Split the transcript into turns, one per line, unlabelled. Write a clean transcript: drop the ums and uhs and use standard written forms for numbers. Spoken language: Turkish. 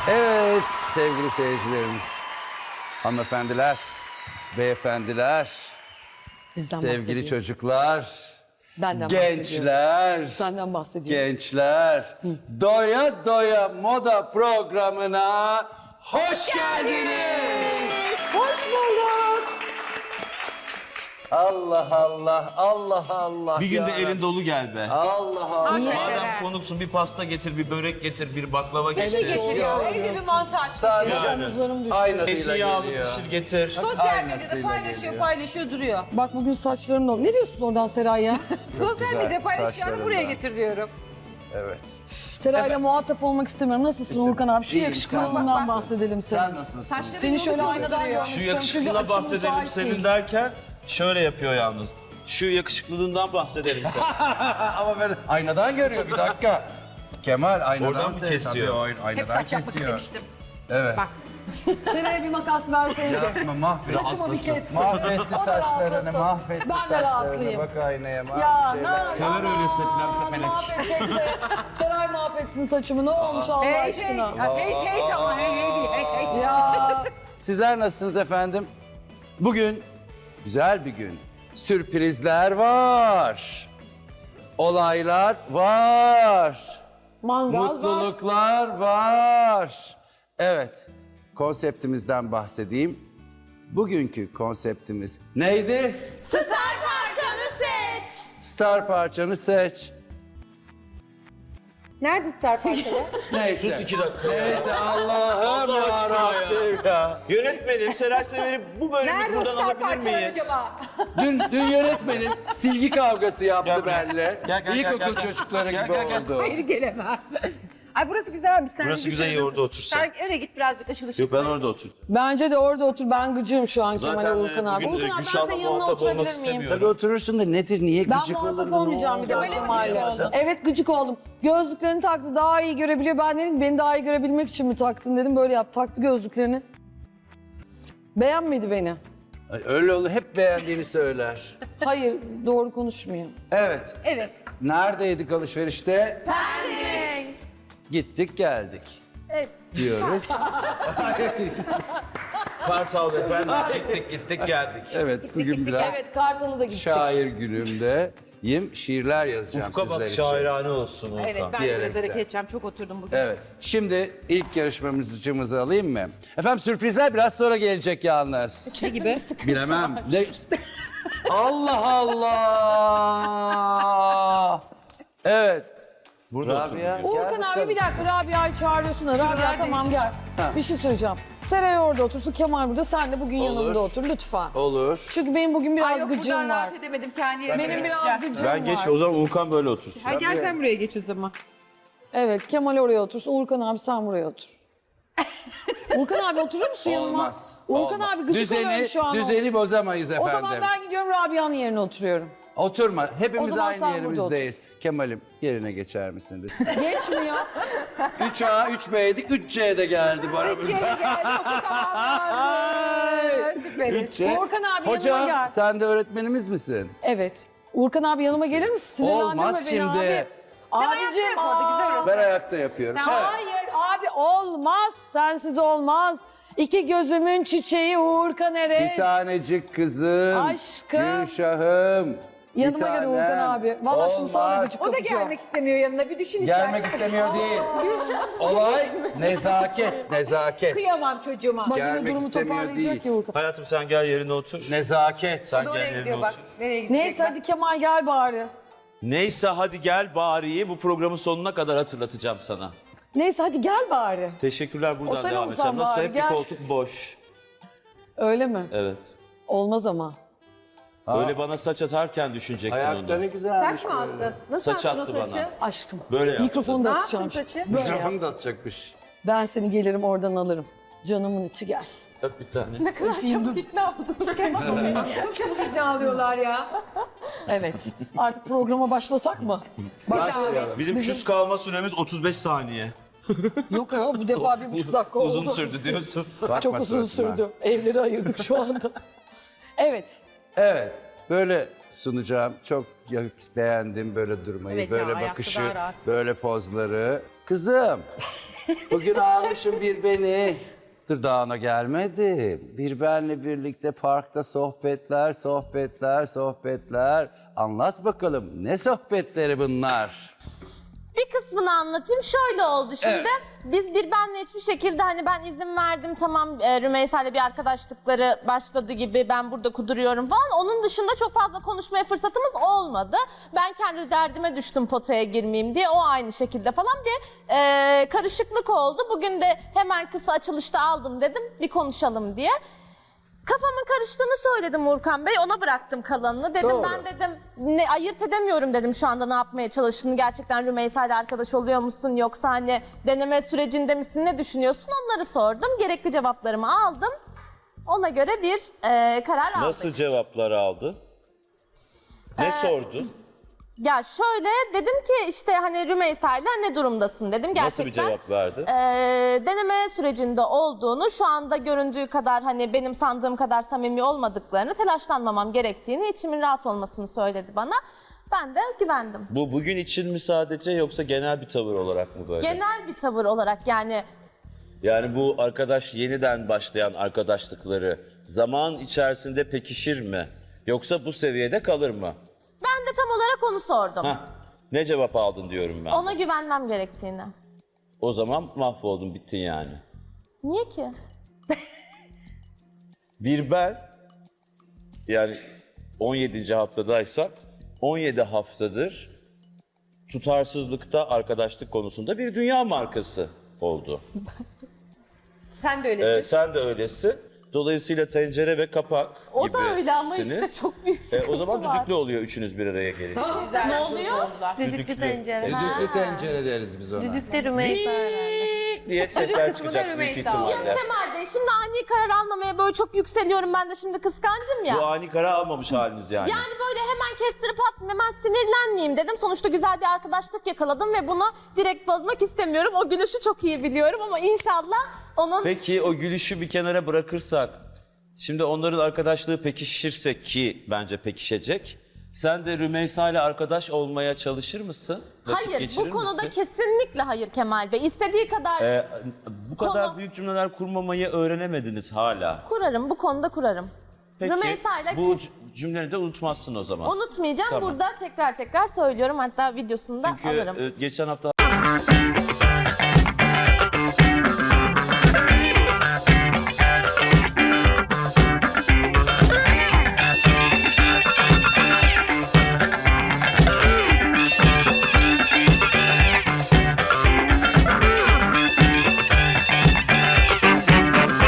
Evet sevgili seyircilerimiz, hanımefendiler, beyefendiler,
Bizden
sevgili
bahsediyor.
çocuklar,
Benden bahsediyor.
gençler,
Senden bahsediyor.
gençler, doya doya moda programına hoş geldiniz.
Hoş bulduk.
Allah Allah, Allah Allah.
Bir günde
ya.
elin dolu gel be.
Allah Allah.
Madem konuksun bir pasta getir, bir börek getir, bir baklava getir.
Getiriyor. Evde bir mantar.
Sadece
Omuzlarım düştü.
aynasıyla
Eti yağlı
geliyor.
pişir getir.
Sosyal
Aynasıyla
medyada paylaşıyor,
geliyor.
paylaşıyor, duruyor.
Bak bugün saçlarım da... Ne diyorsun oradan Seray ya?
Sosyal
güzel,
medyada paylaşıyor,
saçlarında.
buraya getir diyorum.
Evet.
Seray'la muhatap olmak istemiyorum. Nasılsın Urkan abi? Şu
İyiyim,
yakışıklılığından
sen
bahsedelim
Sen
senin.
nasılsın?
Seni şöyle aynadan görmek
Şu
istiyorum. Çünkü
yakışıklığına
açım
bahsedelim
müsait
senin
değil.
derken şöyle yapıyor yalnız. Şu yakışıklılığından bahsedelim sen.
Ama ben aynadan görüyor bir dakika. Kemal aynadan
Oradan mı kesiyor?
Tabii, aynadan kesiyor. Evet.
Seray'a bir makas versenize.
Yapma mahvetti.
Saçımı bir kessin.
Mahvetti
O da
saçlarını,
rahatlasın.
mahvetti
Ben de
saçlarını.
rahatlayayım.
Bak aynaya,
Ya
şeyler.
Sever öyle setlerse felek.
mahvedecekse Seray mahvetsin saçımı. Ne olmuş Allah
Hey
aşkına?
hey ama hey değil, hey.
Ya
Sizler nasılsınız efendim? Bugün güzel bir gün. Sürprizler var. Olaylar var.
mangal var.
Mutluluklar var. Evet, konseptimizden bahsedeyim. Bugünkü konseptimiz neydi?
Star parçanı seç.
Star parçanı seç.
Nerede star parçaları?
Neyse.
Sus 2 dakika.
Neyse Allah'ım
Allah aşkına ya.
yarabbim ya.
Yönetmenim Seray Sever'i bu bölümü
Nerede
buradan
star
alabilir
parçaları
miyiz?
acaba?
Dün yönetmenin silgi kavgası yaptı
Gel buraya.
benimle.
Gel,
İlkokul çocukları
Gel,
gibi
gel, gel.
oldu.
Hayır gelemem. Ay burası güzelmiş. Sen
Burası
bir
güzel, iyi
düşündün.
orada otur sen.
Sen öyle git birazcık aşıl ışıl.
Yok ben orada otur.
Bence de orada otur. Ben gıcığım şu an
Zaten
Kemal'e Urkan abi.
bugün
Urkan abi ben
Gülşah'la
senin yanına
muhatap olmak
oturabilir miyim?
istemiyorum.
Tabii oturursun da nedir, niye
Ben
gıcık olurdun?
muhatap olmayacağım bir daha
Öyle mi
Kemal'le.
gıcık oldun?
Evet gıcık oldum. Gözlüklerini taktı daha iyi görebiliyor. Ben dedim beni daha iyi görebilmek için mi taktın dedim. Böyle yap taktı gözlüklerini. Beğenmedi beni.
Ay, öyle olur, hep beğendiğini söyler.
Hayır doğru konuşmuyor.
Evet,
Evet.
neredeydik alışverişte?
Pendik.
Gittik geldik
Evet.
diyoruz.
Kartal ve ben gittik geldik.
Evet, bugün biraz
Evet Kartal'a da gittik.
şair günümdeyim. Şiirler yazacağım
Ufka
sizler
bak
için.
şairane olsun Urkan.
Evet ben de
Diyerekten.
biraz hareket edeceğim. Çok oturdum bugün.
Evet, şimdi ilk yarışmacımızı alayım mı? Efendim sürprizler biraz sonra gelecek yalnız.
Ne gibi?
Bilemem. Ne? Allah Allah! Evet.
Burada otur.
Rabia, gel
Urkan abi
bakalım.
bir dakika Rabia'yı çağırıyorsun da. Rabia tamam gel. Bir şey söyleyeceğim. Seray orada otursun Kemal burada sen de bugün yanımda otur lütfen.
Olur.
Çünkü benim bugün
Ay
biraz
yok
gıcığım
buradan
var.
rahat edemedim. Kendi yerime
Benim biraz
geçeceğim.
gıcığım
Ben
var.
geç o zaman Urkan böyle otursun.
Ay gel sen buraya geç o zaman.
Evet Kemal oraya otursun. Urkan abi sen buraya otur. Urkan abi oturur musun yanıma?
Olmaz.
Urkan
olmaz.
abi gıcık oluyorum şu an.
Düzeni bozamayız
O
efendim.
zaman ben gidiyorum Rabia'nın yerine oturuyorum.
Oturma.
O
Hepimiz
zaman sen
aynı
burada
yerimizdeyiz. Kemal'im yerine geçer misin lütfen?
Geçmiyor.
3A, 3B'ydik, 3C'de geldi bu aramıza.
Süperiz.
3C.
Urkan abi yanıma
Hocam
gel.
sen de öğretmenimiz misin?
Evet. Urkan abi yanıma gelir misin? Sinirlendirme
Olmaz
beni
şimdi.
abi. Abicim.
yap orada, güzel
aa.
olsun.
Ben ayakta yapıyorum. Evet.
Hayır abi olmaz. Sensiz olmaz. İki gözümün çiçeği Urkan Erez.
Bir tanecik kızım.
Aşkım.
Gülşah'ım.
Yanıma gel Urkan abi. Vallahi şimdi sana da
Olmaz.
gıcık
O da
kapacağım.
gelmek istemiyor yanına. Bir düşün
Gelmek istemiyor değil. Olay nezaket, nezaket.
Kıyamam çocuğuma.
Bak yine
Gelmek
durumu
istemiyor
toparlayacak
değil.
ya Urkan.
Hayatım sen gel yerine otur.
Nezaket.
Sen
Oraya
gel yerine
gidiyor bak.
otur.
Nereye gidecek?
Neyse hadi Kemal gel bari.
Neyse hadi gel bariyi bu programın sonuna kadar hatırlatacağım sana.
Neyse hadi gel bari.
Teşekkürler
O
buradan
sen
devam
olsan
edeceğim. Nasıl
bari,
hep bir
gel.
koltuk boş.
Öyle mi?
Evet.
Olmaz ama.
Böyle bana saç atarken düşünecektin
Ayakta
onu.
ne güzelmiş.
Saç mı attın? Nasıl
Saç
attın o
attı
saçı?
bana.
Aşkım.
Böyle yaptı.
Mikrofonu
Ne
da
yaptın
atacağım.
saçı?
Mikrofonu da atacakmış.
Ben seni gelirim oradan alırım. Canımın içi gel.
Öp bir tane.
Ne kadar çabuk ikna oldunuz gerçekten. Çok çabuk ikna alıyorlar ya.
Evet. Artık programa başlasak mı?
Başlayalım.
Bizim küs kalma süremiz 35 saniye.
Yok ya bu defa 1,5 dakika oldu.
Uzun sürdü diyorsun.
Bakma
Çok uzun
suratına.
sürdü. Evleri ayırdık şu anda. Evet.
Evet, böyle sunacağım. Çok beğendim böyle durmayı,
Evet ya,
böyle
ayakta
bakışı,
daha rahat.
böyle pozları. Kızım, Bugün almışım bir beni. Dur daha ona gelmedi. Bir benle birlikte parkta sohbetler. Anlat bakalım ne sohbetleri bunlar?
Bir kısmını anlatayım. Şöyle oldu şimdi. Biz bir benle hiçbir şekilde hani ben izin verdim tamam Rümeysa'yla bir arkadaşlıkları başladı gibi ben burada kuduruyorum falan. Onun dışında çok fazla konuşmaya fırsatımız olmadı. Ben kendi derdime düştüm potaya girmeyeyim diye. O aynı şekilde falan bir karışıklık oldu. Bugün de hemen kısa açılışta aldım dedim bir konuşalım diye. Kafamın karıştığını söyledim Urkan Bey. Ona bıraktım kalanını. Dedim
Doğru.
ben dedim ne ayırt edemiyorum dedim şu anda ne yapmaya çalıştığını. Gerçekten Rümeysa ile arkadaş oluyor musun yoksa hani deneme sürecinde misin ne düşünüyorsun onları sordum. Gerekli cevaplarımı aldım. Ona göre bir karar aldık.
Nasıl cevaplar aldı? Ne sordu?
Ya şöyle dedim ki işte hani Rümeysa ile ne durumdasın dedim. Gerçekten,
Nasıl bir cevap verdi?
Deneme sürecinde olduğunu, şu anda göründüğü kadar hani benim sandığım kadar samimi olmadıklarını, telaşlanmamam gerektiğini, içimin rahat olmasını söyledi bana. Ben de güvendim.
Bu bugün için mi sadece yoksa genel bir tavır olarak mı böyle?
Genel bir tavır olarak yani
Yani bu arkadaş yeniden başlayan arkadaşlıkları zaman içerisinde pekişir mi? Yoksa bu seviyede kalır mı?
ben de tam olarak onu sordum.
Hah, ne cevap aldın diyorum ben.
Ona güvenmem gerektiğini.
O zaman mahvoldun, bittin yani.
Niye ki?
Bir ben, yani 17. haftadaysak 17 haftadır tutarsızlıkta arkadaşlık konusunda bir dünya markası oldu.
Sen de öylesin.
Sen de öylesin. Dolayısıyla tencere ve kapak
O da öyle ama
gibisiniz.
işte çok büyük sıkıntı
O zaman
var.
düdüklü oluyor üçünüz bir araya gelince.
Ne oluyor?
Düdüklü tencere.
Düdüklü tencere deriz biz ona.
Düdükte Rümeysa
diye sesler
kısmı da
çıkacak büyük
Rümeysa.
ihtimalle.
Kemal Bey şimdi ani karar almamaya böyle çok yükseliyorum ben de şimdi kıskancım ya.
Bu ani karar almamış haliniz yani.
Yani böyle hemen kestirip atmayayım, hemen sinirlenmeyeyim dedim. Sonuçta güzel bir arkadaşlık yakaladım ve bunu direkt bozmak istemiyorum. O gülüşü çok iyi biliyorum ama inşallah onun...
Peki o gülüşü bir kenara bırakırsak, şimdi onların arkadaşlığı pekişirse ki bence pekişecek. Sen de Rümeysa ile arkadaş olmaya çalışır mısın? Vakit
Hayır,
geçirir
bu konuda
misin?
kesinlikle hayır Kemal Bey. İstediği kadar
Bu kadar
Konu-
büyük cümleler kurmamayı öğrenemediniz hala.
kurarım, bu konuda kurarım.
Peki
Rümeysa ile
bu cümleleri de unutmazsın o zaman.
unutmayacağım.
Tamam.
Burada tekrar söylüyorum. Hatta videosunu da
Çünkü
alırım.
geçen hafta